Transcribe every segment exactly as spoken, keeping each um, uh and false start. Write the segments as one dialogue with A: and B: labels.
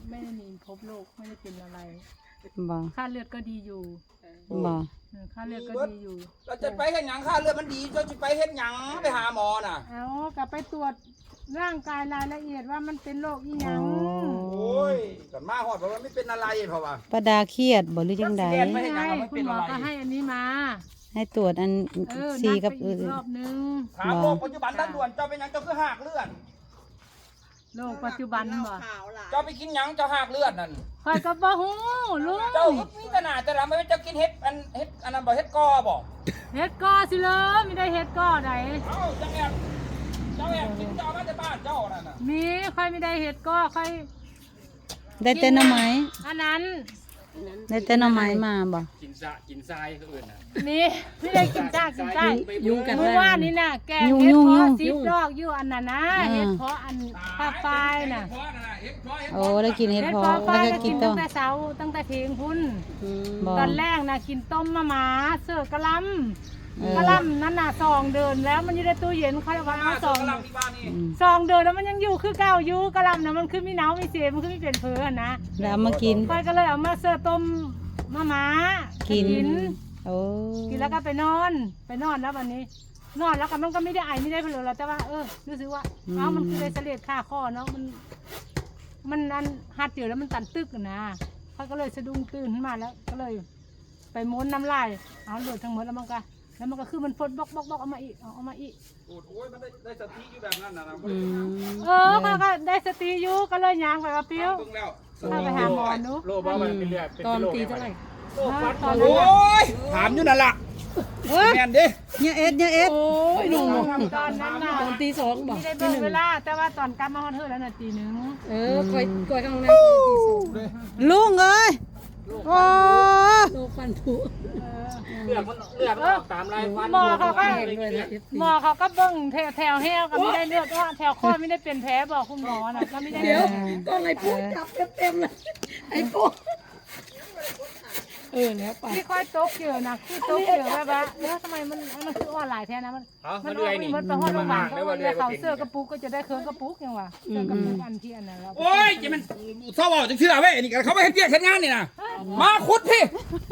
A: ไม่ได้หนีพบโรคไม่ได้เป็นอะไร
B: บ่
A: ค่าเลือดก็ดีอยู่
B: บ่
A: ค่าเลือดก็ดีอยู่
C: เราจะไปเฮ็ดหยังค่าเลือดมันดีเราจะไปเฮ็ดหยังไปหาหมอน่ะ
A: เอากลับไปตรวจร่างกายรายละเอียดว่ามันเป็นโรคอีหยัง
C: โอ้ยกันมาฮอดเพราะว่าไม่เป็นอะไรเพราะว่า
B: ป้าดาเครียดบ่หรือจังใด
A: ไม่ใช่คุณหมอก็ให้อันนี้มา
B: ให้ตรวจอัน
A: เออ
B: ซี
A: นัด
B: กับ
A: ไป
B: อื่
A: อี
B: น
A: กรอบนึง
C: ถามโรคปัจจุบันทันด่วนเจ้าเป็นหยังเจ้าคือหากเลือด
A: โรคปัจจุบันบ่
C: เจ้าไปกินหยังเจ้าหากเลือดนั่น
A: คอยก็บ่ฮู้ลุง
C: เจ้ามีขนาดแต่ละไม่เจ้ากินเฮ็ดอันเฮ็ดอันนั้นบ่เฮ็ดกอบ่
A: เฮ็ดก้อสิเลยไม่ได้เฮ็ดก้อใด
C: เอ้าเจ้าแอบเจ้าแอบกินเจ้ามาจากบ้านเจ้านั่นน่ะ
A: มีค่อยไม่ได้เฮ็ดก้อค่อย
B: ได้แต่หน่อไม้
A: อันนั้น
B: ได้แต่หน่อไม้มาบ่
D: กินสะกินทรายเขาอื่นนะ
A: นี่ไม่ได้กินจ้ากินจ้า
D: ยุ่งกัน
A: เมื่อวานนี้น่ะแกงเฮ็ดเพาะซีดดอกอยู่อันนั้นนะเฮ็ดเพาะอันปลาปลายน่ะ
C: เฮ็ดเพาะนั่นน่ะเฮ็ดเพาะเฮ็ด
B: โอ้ได้กินเห็ด
A: เฮ็ด
B: เพอ
A: เพาะป
B: แล้
A: ลา
B: วย ก็
A: ก็
B: กิ
A: กิ
B: น
A: น
B: ต้
A: ตั้
B: ม
A: งแต่เช้าตั้งแต่เที่ยงพุ่น
B: บ่
A: ตอนแรกน่ะกินต้มมะหมาเสือกะล
B: เออ
A: ำกะลำนั่นน่ะซองเดินแล้วมันอยู่ในตู้เย็นเขาเลยว่าเอาซอง
C: กำลังที่บ้านนี่
B: อืม
A: ซองเดินแล้วมันยังอยู่คือเก่าอยู่กะลำน่ะมันคือมีหนาวมีเสียมันคือมีเปลี่ยนเผือนะ
B: แล้วเอามากิน
A: ค่อยก็เลยเอามาเสิร์ฟต้มมะหมา
B: กิ
A: กิ
B: น โอ้
A: กินแล้วก็ไปนอนไปนอนแล้ววันนี้ นอนแล้วก็มันก็ไม่ได้ไอไม่ได้เพลือเราแต่ว่าเออรู้สึกว่าเอ้ามันคือเลยเสลดค่าข้อเนาะมัน มันอันหัดเดียวแล้วมันตันตึกอะนะเขาก็เลยสะดุ้งตื่นขึ้นมาแล้ว ก็เลย ไปม้วนน้ำลายเอาเลือดทั้งหมดแล้วมันก็แล้วมันก็คือมันฟดบล็อกบล็อกบล็อกเอามาอีกเอาเอามาอีก
C: โอ้ยมันได้ได้สติอยู่แบบนั้นน่ะนะ
B: อืม
A: เออเขาก็ได้สติอยู่ก็เลยยางไปว่าเปี้ยว
C: เบิ่งแล้ว
A: พาไปหาหมอดู
D: โรคว่ามันเป็นเลือดเป็น
B: ตอน
D: โรค
B: ตีเท่าไหร่
A: ตอน
C: โอ้
A: นั้น
C: ยถามอยู่นั่นล่ะ
B: เอ้ย
C: แม่นเด้
B: เนี่ยเอ็ดเนี่ยเอ็ด
A: ตอนนั้นน่ะ
B: ตอนตีสองบ่
A: ไม่ได้เบิ่งเวลาแต่ว่าตอนกลับมาฮอดเธอแล้วน่ะตีหนึ่ง
B: เออคอยคอยข้างในตีสองลุงเอ้ยโอ้โลฟันผุ
D: เลือดมันเลือดมันออกตามลายฟัน
A: หมอเขาก็
D: ด้วยนะ
A: หมอเขาก็เบิ่งแถวแถวแห้วก็ไม่ได้เลือดว่าแถวข้อไม่ได้เป็นแผลบอกคุณหมอน่ะก็ไม่ได้
B: เดี๋ยว
A: ก็ไงพูดจับเต็มๆเลยไอ้ปุ๊เออแล้วไปที่ค่อยตกเยอะนะคือตกเยอะแบบว่าเออทำไมมันมันคืออ่อนหลายแท้นะมัน
D: เอา
A: มั
D: มาน เรื่อยนี่
A: มันไปห้องโรงพยาบาล
D: ได้
A: ก็
D: ว่า
A: เล
D: เรื่อย ย
A: เขา
D: เป็น
A: เสื้อกระปุกก็จะได้เครื่องกระปุกยังวะเสื้อกระปุกอันที่อันนั้นแล้ว
C: โอ้ยจะมันเศร้าเว้าจังซี่ล่ะเว้ยนี่ก็เขาไม่เฮ็ดเวียกเฮ็ดงานนี่น่ะมาขุดพี่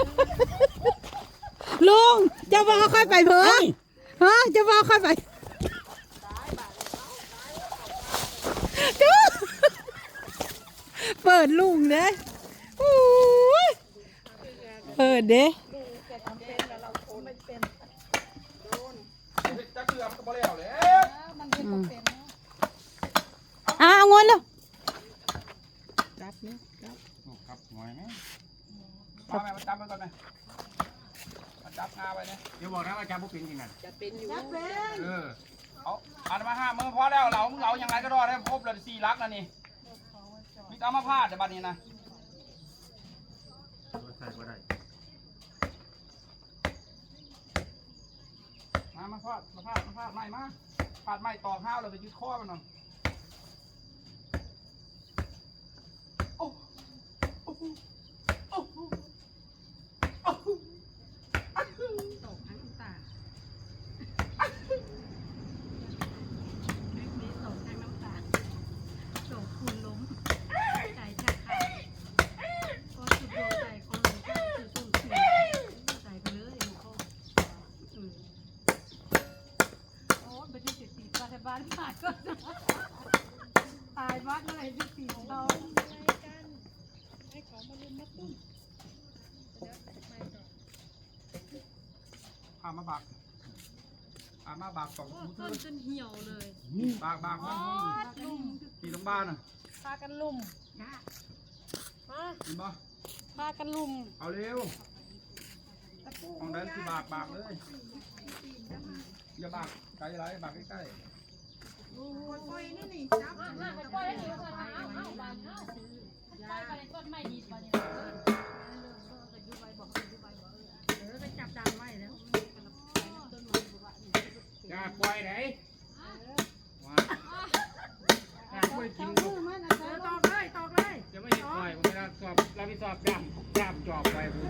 B: ลุงเจ้าว่าค่อยไปเพิ่งฮะเจ้าว่าค่อยไปเจ้าเปิดลุงเด้โอ้ยเปิดเด้
C: จะเกือบก็บ่แล้วแหละ
B: อ่ะเอาเงินเลย
C: ครับหวยไหมมาแม่มาจับมันก่อนไหมมาจับงาไว้เนี่ย
D: เดี๋ยวบอกนะว่าจำพวกเป็นจริงนะ
C: เออเอาอันมาห้ามือพอแล้วเราเรายังไงก็รอดได้ครบเลยสี่ลักแล้วนี่มีเอามาพาดแต่บัดนี้นะ
D: ใส่ก็ได้
C: มามาพาดมาพาดมาพาดไม้มาพาดไม้ตอกห้าวเราไปยึดข้อมันหน่อยโอ้โอ้โหโอ้โหโอ้โหอ้าวตกทั้งตาบ้านผ่านก็ตายวัดเมื่อไหร่ที่ตีเราพามาบักพามาบักสองต้นจนเหี่ยวเลยบากบากมันตีตรงบ้านอ่ะ
A: พากันลุ่มมา
C: เห็นปะ
A: พากันลุ่ม
C: เอาเร็วของได้ที่บากบากเลยอย่าบากไกลไรบากใกล้ๆ
D: อย่าปล่อยไหนว้าอย่าปล่อยกินลูก
A: ตอกเลยตอกเลย
D: จะไม่เห็นปล่อยผมเวลาสอบเราไปสอบย่ำย่ำจอบไปผม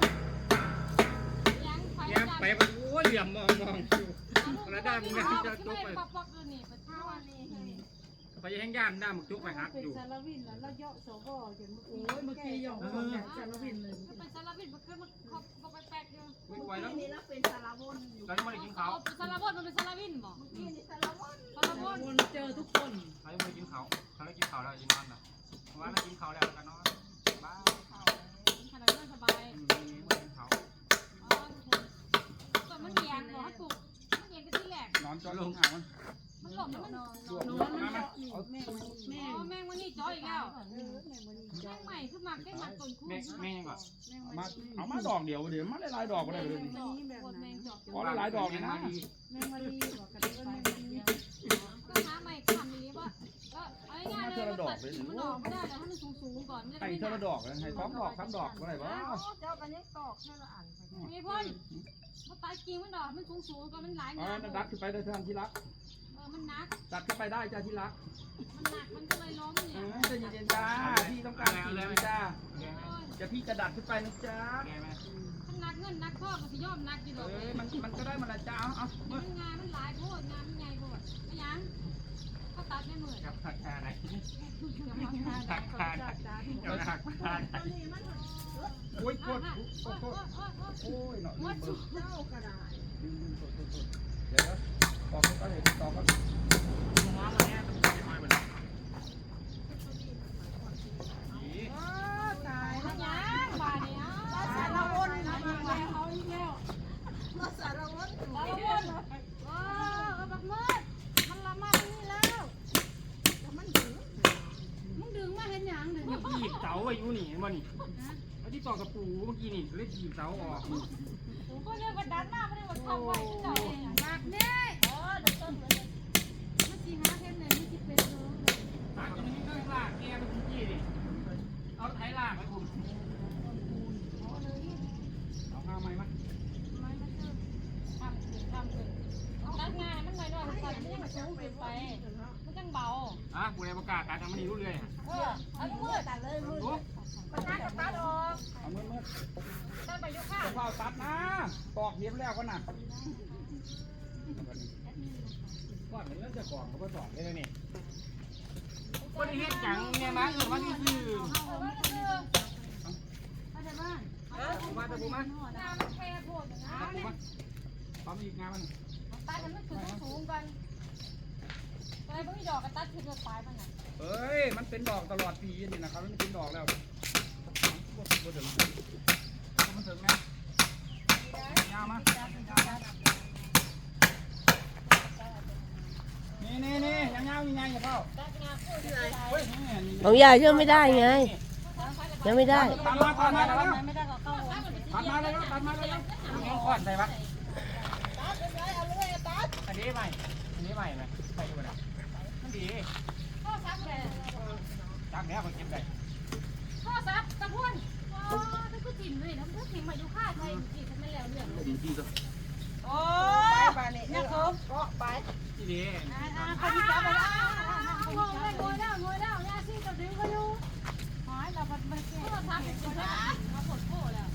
D: ย่ำไปมันโอ้ยเหลี่ยมมองมองอยู่กระด้างมันจะจบไปไปเขาจะแห้งย่านด้ามหมึกจุกไปหัก
A: เป็น
D: อยู่
A: สารวินแล้วเราเยาะสวจน
B: โอ้ยเมื่อกี้ยอมบอกแบบสารวินเลย
C: มันเป็นสารวินมันคือมันเขาบอกไปแปลกอยู่
D: ไม่ไหวแล้ว
E: นี่เราเป็นสารวนอยู่
D: เรายังไม่ได้กินเขา
C: เอาสารวัตรมันเป็นสารวินบอก
E: นี่นี่สารวน
C: สารวัตร
B: วนเจอทุกคน
D: เขายังไม่ได้กินเขาเขาได้กินเขาแล้วจะนอนนะว่าเรากินเขาแล้วก็นอนบ้า
C: ขนาดนั้นสบาย
D: อืมไม่ได้กินเขา
C: อ๋อส่วนมันเหียนบอกให้ปลูกมันเหียนก็ที่แรก
D: นอนจอลงอ่างมัน
C: มันหล่นแล้วมัน
B: นอนมันเจาะนี่แม่แม่
C: อ๋อแมงวันนี้จ่ออีกแล้วแมงใหม่คือหมักแค่หมักต้นคู่
D: แม่แม่ยังก่อน
F: มาเอามาดอกเดียวเดี๋ยวมาหลายๆดอกก็ได้เลย
C: จอกโคตรแมงจอก
F: ขอหลายๆดอกเลยนะ
B: แม่มาดีบอกกันว่าแม่มาดี
C: ก็หาใหม่ทำนี้ว่าก็เอาง่ายๆเลยมันตัดมันออกไม่ได้แต่ให้มันสูงๆก่อนจะได้
F: ให้
C: ไม่
F: เท่า
C: หนั
F: ละ
C: ก
F: ดอกเลยให้สองดอกสามดอกก็ได้บ่
E: เจ้ากันนี้ตอกให้เราอ่านไป
C: มีพ่นมันตายจริงมันดอกมันสูงๆก่อนมันหลาย
F: อ๋อง
C: าน
F: นั่นดัดขึ้นไปได้ท่านที่รัก
C: เออมันหนัก
F: ดัดขึ้นไปได้จ้าที่รัก
C: มันหนักมันก็เลยล้ม
F: เอ
C: เนี่ย
F: อใจเย็นๆจ้าพี่ต้องการกินเลยจ้า
D: แกไหม
F: จะพี่จะดัดขึ้นไปนะจ้า
D: แกไหม
C: มันหนักเงินหนักพ่อก็สิยอมหนักอยู่ด
F: เอ
C: อก
F: อมันมันก็ได้มาละจ้าเอาเอา
C: มันงานมันหลายโพดงานมันใหญ่โพดไม่ยังเขาตัดไม่เหมือน
D: กับทักทายไหน
C: กำลังงาน
D: ทักทายกับทักทาย
F: โอ้ยโคตร
C: โอ้
F: โค
C: โห
F: ตร
C: โอ้โห
F: โอ้ยหน่อย
C: วัดสุด
E: เจ้ากระดาษ
F: เดี๋ยวตอกก็ได้ตอกก็
D: น้องอะไรเนี่ยไม่มาเหมือน
E: ตาย
C: ไม่ยังบาดเนี่ย
E: สารวนนะ
A: เอาอีกแล้ว
E: เราสารวนอยู่
C: ตะวันว้าวกระบักมืดมันละมาที่นี่แล้ว
E: มันถึง
A: มึงดึงมาเห็นหยังดึง
D: ถีบเสาอายุนี่มันนี่ไอ้ที่ต่อกระปูเมื่อกี้นี่เลยถีบเสาออก
C: ผมก็เรียกว่าดันหน้าไม่ได้ว่าทำไว้ที่ไหน
A: หนักเนี่ย
C: เออเดี๋ยวต้นเหมือน
A: มันสิหาเห็นเลยมันสิเป็นเนาะ
D: ลากจะมีเครื่องลากแกไปคุณจี้ดิเอาไถลากไปคุณเอาห้าไม้มั้ย
C: ไม่มันคือทำถึงทำถึงตัดงานมันหน่อยหน่อยมันไม่ยังสูงเกินไปมันจังเบา
D: อ่ะกูเลยประกาศการทำมันนี่รู้เลย
C: เออเอาลูกมือตัดเลยมือ
D: รู้
C: มันน่าจะตัดออก
F: เอามือมือ
C: ตัดไปยุค่า
F: จะเฝ้าตัดนะตอกเย็บแล้วก็น่ะ
D: ก่อนเนื้อจะก่อนเขาก็สอนเลยนี่คนเฮ็ดจังเนี่ยนะเออมันคือ
C: เออมันคือ
A: เข้าใจบ้าง
D: มาตะบูมา
C: งานมันแคบโหดนะ
D: ตะบูมาปั๊มอีกงานมัน
C: ตัดให้มันขึ้นสูงกันอะไรพวกนี้ดอกกระตัดขึ้นไปปลายมันน่ะ
F: เอ้ย มันเป็นดอกตลอดปีนี่นะครับมันเป็นดอกแล้วบ่ถึงมันถึงนะยาวมานี่นี่นี่ยังยาวยังไงอย่าเข้าเฮ้ยนี่นี่
G: ของยายเชื่อไม่ได้ไงยังไม่ได้
F: ตัดมาตัดมาแล้ว
A: ไม่ได้ก็เข้า
F: ตัดมาแล้วตัดมาแล้ว
D: น้องก่อนใส่ปะ
E: ตัดเป็นไรเอาเลยตัด
D: อันนี้ใหม่ อันนี้ใหม่ไหมใส่ดูนะมันดี
C: ข้อซับเลย
D: จังแล้วก็เก็บได้
C: ข้อซับตะพุ่นอ๋อถ้ากูถิ่มเลยนะถ้าถิ่มมาอยู่ค่าไทยจีทำไม่แล้วเรื่อง
F: ดีดีก็
E: โอ้ยไปนี่เนี่ยเขาเกาะไป
D: ที่ดี
C: อ่าอ่าคนที่จับไปแล้วงงเลยงงแล้วงงแล้วยาซีกับดึงก็อยู่หายเราพัดมาแก้ข้อซับเป็นคนละมาปวดโผล่แล้ว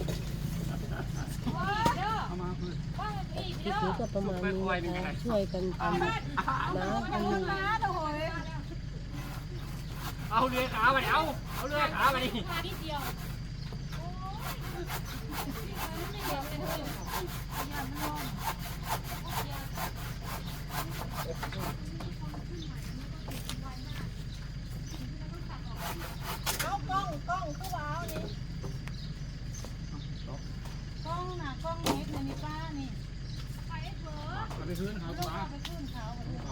C: ว้าเด้อ
F: เอามาคือ
C: บ้างอีก
G: คลิ
C: เด้
G: ป
C: อ
G: นี้ก็ประมาณนี้นะคะช่วยกันทำน้ำอันหนึ่ง
D: เอาเรือขาไปเอา เอาเรือขาไปดิ
C: ขานิดเดียวไม่เดียวไม่เดียว
E: เอากล้องกล้องคือว้าวนี่
A: กล้องน่ะกล้องเล็กในนี่ป้านี่
C: ไปเถอะ
F: เอาไปคืนเขา
A: ลูก
F: มา
A: เอาไปขึ้นเขา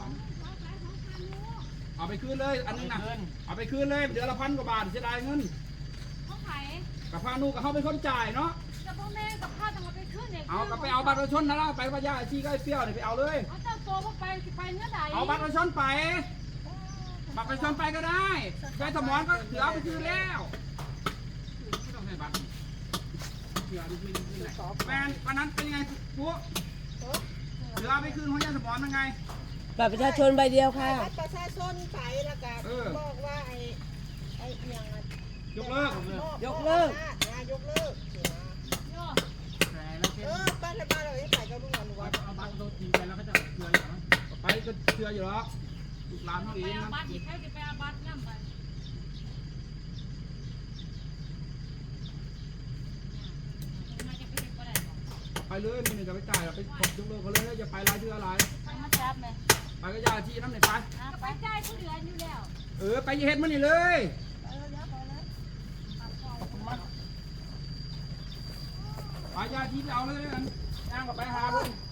F: เอาไปคืนเลยอันนึงนะเอาไปคืนเลยเดือนละพันกว่าบาทเสียดายเงิน
C: เขาขาย
F: กับพานุกับเขาเป็นคนจ่ายเนาะ
C: กับพ่อแม่กับข้าจะมาไปขึ้นเนี่ย
F: เอากับไปเอาบัตรประชาชนนะล่ะไปพญาไอ้ที่ก็ไอ้เปรี้ยวเนี่ยไปเอาเลย
C: เอาเจ้าโตก็ไปไปเนื้อใด
F: เอาบัตรประชาชนไป บัตรประชาชนไปก็ได้ยายสมอนก็ถือเอาไปคืนแล้วไม่ต้องให้บัตรเถื่อไม่ได้ที่ไหนแฟนวันนั้นเป็นยังไงปุ๊ถือเอาไปคืนของยายสมอนยังไง
G: บัตรประชาชนใบเดียวค่ะ
E: บัตรประชาชนไปแล้วก็บอกว่าไอ้ไอ้ยัง
F: ยกเลิก
G: ยกเลิก
E: นะยกเลิก
D: แต่แล้วเช่น
E: เออบ้านบ้านเราไปกับลุงหนูว่า
D: เอาบัตรรถทีไปแล้วก็จะเกลืออย่างนั้น
F: ไปก็เชื่ออยู่หรอกลูกหลานเขาเองนะ
A: บัตรอีกใครจะไปเอาบัตรนั่นไป
F: ไปเลยมีหนึ่งจะไปจ่ายไปขอบยกเลิกเขาเลยอย่าไปรายชื่ออะไร
A: มาจับไหม
F: ไปก็ยาที่น้ำไหนไป
A: ไปจ่ายผู้เดือนอยู่แล้ว
F: เออไปเฮ็ดมันนี่เลยไปยาที่ไปเอาเลยกันย่างกับไปหาเพิ่น